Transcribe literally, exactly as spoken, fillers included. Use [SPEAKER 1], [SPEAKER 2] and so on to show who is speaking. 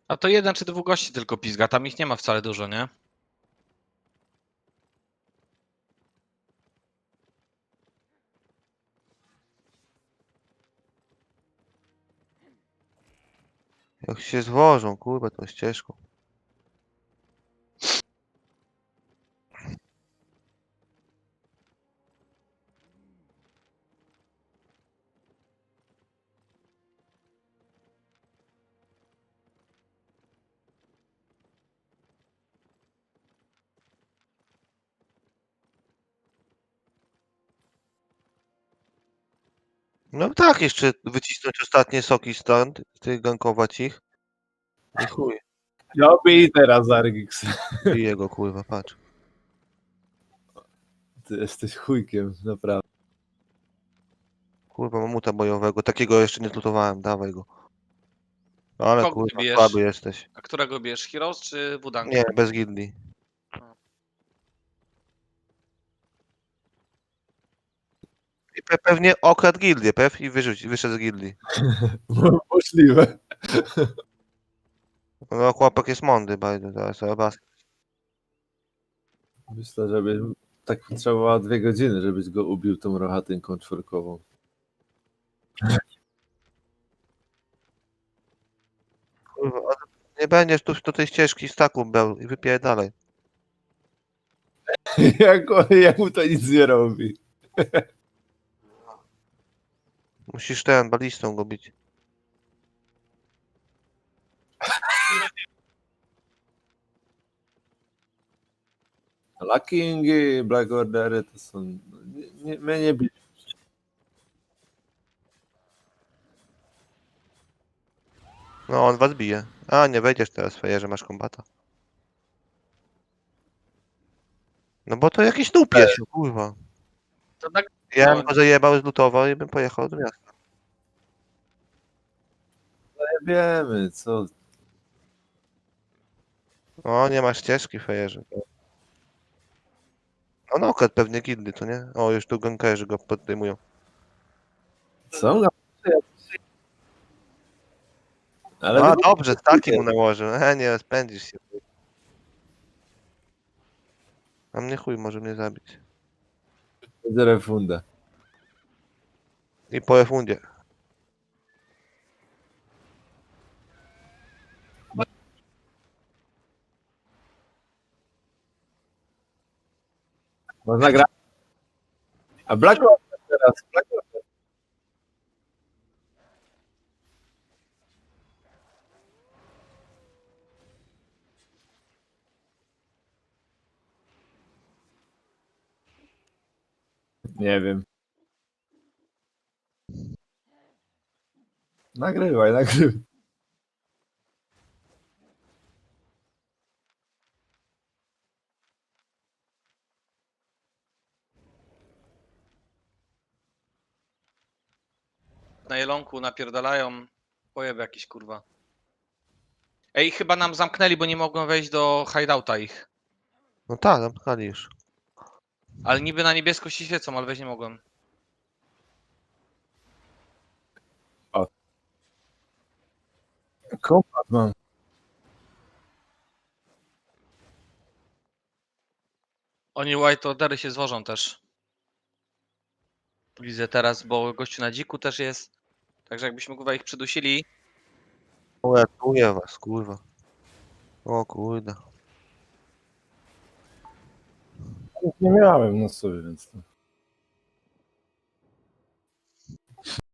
[SPEAKER 1] A to jeden czy dwóch gości tylko pizga, tam ich nie ma wcale dużo, nie?
[SPEAKER 2] Jak się zwożą, kurwa, tą ścieżką. No tak, jeszcze wycisnąć ostatnie soki stąd, tych gankować ich. I chuj,
[SPEAKER 3] No bij teraz, Argix.
[SPEAKER 2] bije go, kurwa, patrz.
[SPEAKER 3] Ty jesteś chujkiem, naprawdę.
[SPEAKER 2] Kurwa, mamuta bojowego, takiego jeszcze nie zlutowałem, dawaj go. Ale
[SPEAKER 1] Kogo ty
[SPEAKER 2] kurwa,
[SPEAKER 1] bijesz?
[SPEAKER 2] słaby jesteś.
[SPEAKER 1] A którego bierz? Heroes czy Wudang?
[SPEAKER 2] Nie, bez gildii. I pe pewnie okradł gildię, pew, i wyrzuć, wyszedł z gildii.
[SPEAKER 3] Możliwe.
[SPEAKER 2] No, chłopak jest mądry, bardzo, teraz chyba.
[SPEAKER 3] Myślę, że by tak potrzebowało dwie godziny, żebyś go ubił tą rochatynką czworkową.
[SPEAKER 2] Kurwa, ale nie będziesz tu do tej ścieżki staku był i wypierdalaj.
[SPEAKER 3] jak, on- jak mu to nic nie robi.
[SPEAKER 2] Musisz ten, balistą go bić.
[SPEAKER 3] Luckingi, Black Ordery to są... Nie, nie, my nie bij.
[SPEAKER 2] No, on was bije. A, nie wejdziesz teraz, fejerze, masz kombata. No bo to jakiś noob jest, no, kurwa.
[SPEAKER 1] To tak,
[SPEAKER 2] Ja
[SPEAKER 1] no,
[SPEAKER 2] bym go zajebał, zlutował i bym pojechał do miasta.
[SPEAKER 3] Nie wiemy, co...
[SPEAKER 2] O, nie masz ścieżki, fejerze. On okradł pewnie gildy, to nie? O, już tu gankerzy go podejmują.
[SPEAKER 3] Są? Ale
[SPEAKER 2] A,
[SPEAKER 3] wy-
[SPEAKER 2] dobrze, taki mu nałożył. E, nie, spędzisz się. A mnie chuj może mnie zabić.
[SPEAKER 3] będzie refunda.
[SPEAKER 2] I po refundzie.
[SPEAKER 3] Można grać. A Black Order teraz. Black Order. Nie wiem. Nagrywaj, nagrywaj.
[SPEAKER 1] na jelonku napierdalają. Pojeb jakiś kurwa. Ej, chyba nam zamknęli, bo nie mogłem wejść do hideouta ich.
[SPEAKER 2] No tak, zamknęli już.
[SPEAKER 1] Ale niby na niebiesko się świecą, ale wejść nie mogłem.
[SPEAKER 3] Kompat mam.
[SPEAKER 1] Oni white ordery się zwożą też. Widzę teraz, bo gościu na dziku też jest. Także jakbyśmy kurwa ich przydusili.
[SPEAKER 2] Uratuję was, kurwa. O kurde.
[SPEAKER 3] Nie miałem na sobie, więc... to-